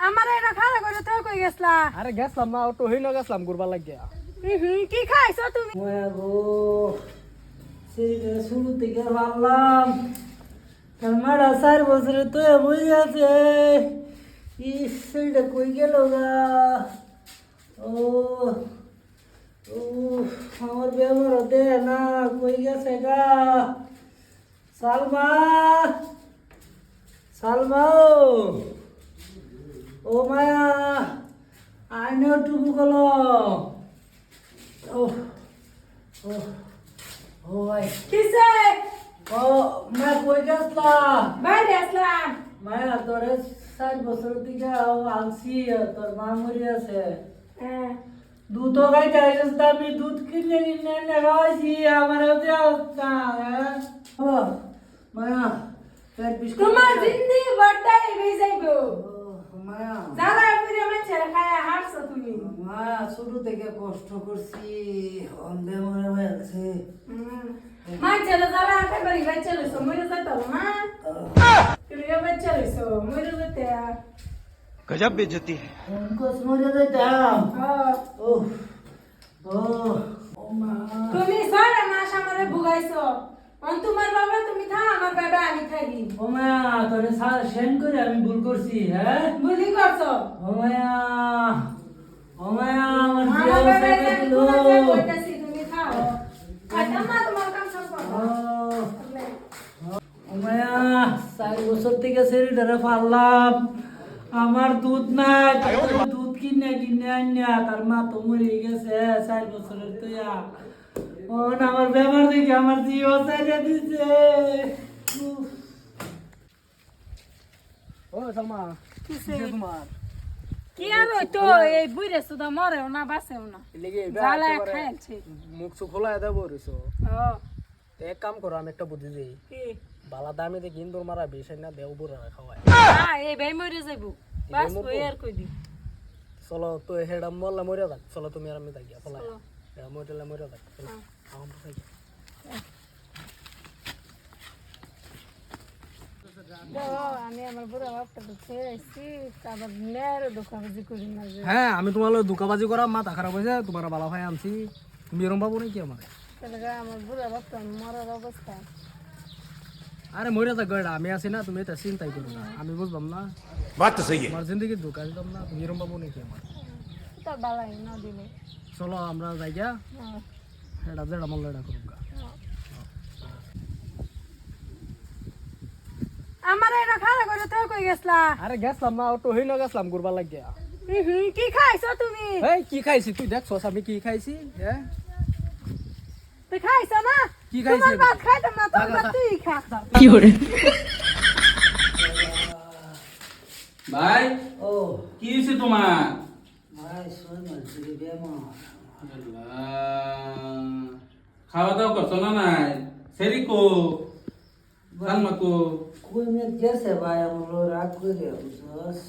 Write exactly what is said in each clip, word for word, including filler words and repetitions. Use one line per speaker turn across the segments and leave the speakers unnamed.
আমারে এটা খারাপ করে তো কই গেছলা?
আরে গেছলাম না, অটো হইলো গেছলাম ঘুরবার লাগিয়া।
হুম কি খাইছো তুমি?
গো সেই শুরু থেকে ভাবলাম তার মারা চার বছরে তো বই আছে সেইটা কই গেল গা। ও ও আমার ব্যবহার দে না কই গেছে গা। সালমা সালমা ও মায়া আইনে টুকু গেল। ও ও ও ভাই
কিসে?
ও মা কই গেছলা?
বাইরে আসলাম।
মায়া তোরে চার বছর থেকে আলছি তোর মা মরি আছে।
হ্যাঁ
দুধ খাইতে আসিস তো আমি দুধ কিনে কিনে এনে খাওয়াইছি আমার অবস্থা। হ্যাঁ ও মায়া পেট বিষ
তোমার জিন্দেগি বড়টাই হয়ে যাইবো।
মায়া
যারা ফিরে মানছে খায় হারছো তুমি।
মায়া শুরু থেকে কষ্ট করছি অন্ধে মনে হয়েছে।
মানছে যারা একেবারে বাচ্চা লইছো মরে যেতে হবে না। তুমি বাচ্চা লইছো মরে যেতে।
गजब बेइज्जती है।
কোস মরে যেতাম।
হ্যাঁ
ও ও ও মা
তুমি ছয় মাস আমারে ভুগাইছো। অন তোমার বাবা তুমি থা আমার বাবা আমি থাকি।
ও মায়া তোরে সেন করে আমি ভুল করছি। হ্যাঁ
ভুলি করছো।
ও মায়া ও মায়া আমার
আমার
জীবন
বাবা
থেকে
আমি
দিলো।
তোমাকে কইতাছি তুমি খাও। খাইতাম না তোমার কাম সব করো।
ও মায়া চার বছর থেকে শরীরটারে পারলাম আমার দুধ নাই দুধ কিনে কিনে আনিয়া তার মা তো মরে গেছে চার বছরের তুইয়া ও না আমার ব্যবহার দেখে আমার জিও চাইলে দিছে। উফ।
ও সালমা
কিসে?
কিসে তোমার?
কি আর তো এই বুইরে সুদা মরেও না বাঁচেও না।
এলিগে
জ্বালায় খাইছে।
মুখ সুখ খোলা দেব রইছো।
ও
এক কাম করো, আমি একটা বুদ্ধি দিই।
কি?
বালা দামি দেখি ইন্দুর মারা বেশ না দেও বুড়া খাওয়ায়।
হ্যাঁ এই ভাই মরে যাইবো। বাস
মরবো?
কই আর কই দি।
চলো তো হেডা মরলে মরে যাক। চলো তুমি আর আমি থাকিয়া ফলাই
চলো।
হেডা মরলে মরে যাক। চলো আমার তো থাকি।
দেখো, আমি আমার বুড়া বাপটা তো ছেড়ে আসছি আবার নেয়ার দোকাবাজি করি না যে।
হ্যাঁ আমি তোমার দুকাবাজি করা মাথা খারাপ হয়েছে, তোমার বালা ভাই আনছি। তুমি এরম পাবো নাকি আমার?
তাহলে আমার বুড়া বাপটা মরার অবস্থা।
আরে মরে যাক গয়ডা, আমি আছি না, তুমি এটা চিন্তাই করো না। আমি বুঝলাম না
बात तो सही है।
তোমার জিন্দগি ধোকা দিলাম না, তুমি এরম পাবো নাকি আমার?
তো বালাই না দিলে।
চলো আমরা যাই গা,
হ্যাঁ,
এটা যেটা মন এটা করুক গা।
হ্যাঁ। আমার এটা খারাপ করে তো কই গেছলা?
আরে গেছলাম না, অটো হইলো গেছলাম ঘুরবার লাগিয়া।
হুম কি খাইছো তুমি?
এই কি খাইছি তুই দেখছস আমি কি খাইছি? হ্যাঁ
তুই খাইছো না?
কি খাইছি
তোমার
আমি?
ভাত খাইতাম না, তোর
দাদা,
ভাত
দাদা।
তুই খা।
ভাই
ও
কি হয়েছে তোমার?
ভাই শোন মারছি বেমা
আল্লাহ, খাওয়া দাওয়া করছো না নাই? সেরি কো সালমা কো?
কই মে গেছে ভাই আমার রাগ করে বুঝছস।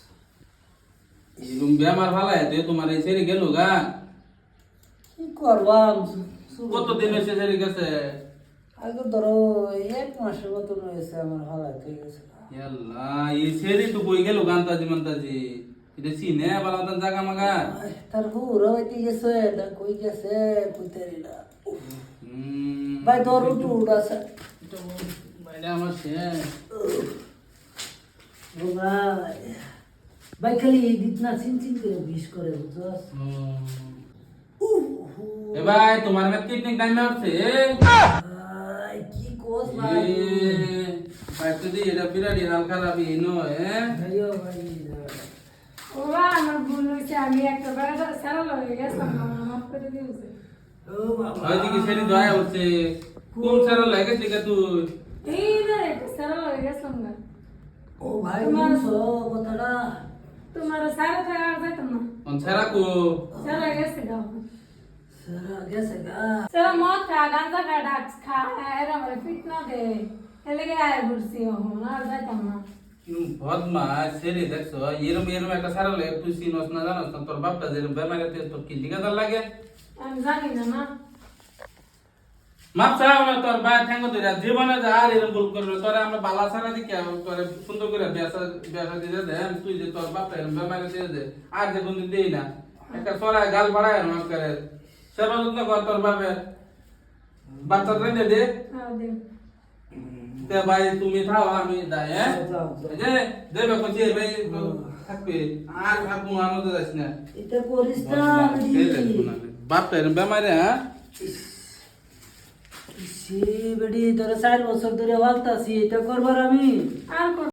এরম বেমার ফালাই দে তোমার এই সেরি গেল গা।
কি করবাম
কত দিন হয়েছে সেরি গেছে?
আগে ধরো এক মাসের মতন হয়েছে আমার হালাত হয়ে গেছে।
আল্লাহ, এই সেরি তো কই গেল গান্তাজি মান্তাজি? এটা চিনে বালাদান জাগা মাগা?
তার হুরা হইতে গেছে না কই গেছে কইতারি না।
হুম,
ভাই ধর উঠু উড়াছে
এটা বল, বাইরে আমার শেষ।
ও ভাই ভাই খালি এই দিক না চিন চিন করে বিষ করে বুঝছস।
হুম।
উহ,
এ ভাই তোমার মেয়ে কিডনি টাইম আছে?
ভাই কি কোস ভাই
ভাই তুই এটা বিরাট হাল খারাপ ইনো হ্যাঁ?
ভাইও ভাই
ও বাবা, আমার ভুল হয়েছে, আমি একটা বেড়া সারা লগে গেছিলাম, আমার মাফ করে দিয়েছে।
ও বাবা
হয়তো কি সেটি দয়া হচ্ছে কোন সারা লাগে ঠিক তুই?
এই না একটা সারা লগে গেছিলাম না।
ও ভাই
তোমার-
শুনছো কথাটা
তোমার সারা থেকে আর যাইতাম না।
কোন সারা কো?
সারা গেছে গাও।
সারা গেছে গা
সারা মদ খা, গাঁজা খা, ডাক্স খা, এরা আমার ফিট না দে। এলে গে আয় ঘুরছি এখন, আর যাইতাম না।
বদমা সেরি দেখছো এরম এরম একটা সারা লাগে তুই চিনস না জানস না তোর বাপটা যেরম বেমারে তোর কি লিগাদার লাগে?
আমি জানি না না।
মাপ চাও না তোর ভাই ঠ্যাঙ্গ ধরে জীবনে যা আর এরকম ভুল করবে তোরে আমরা বালা ছাড়া দেখি তোরে সুন্দর করে বেসা বেসা দিয়ে দে তুই যে তোর বাপ বেমারে দিয়ে দে আর যে কোনদিন দেই না একটা সরাই গাল বাড়ায় মাফ করে সেবা যত্ন কর তোর বাপে বাচ্চা রেঁধে দে
হ্যাঁ দিন
তে ভাই তুমি থাও আমি যাই হ্যাঁ
যাও, যাও।
এই যে দেবে কচি ভাই থাকবে আর আপু আমাদের যাস না
এটা করিস না
বাপ এরকম বেমারে হ্যাঁ
সে বেডি তোরা চার বছর ধরে বলতাছি এটা করবার আমি
আর কোন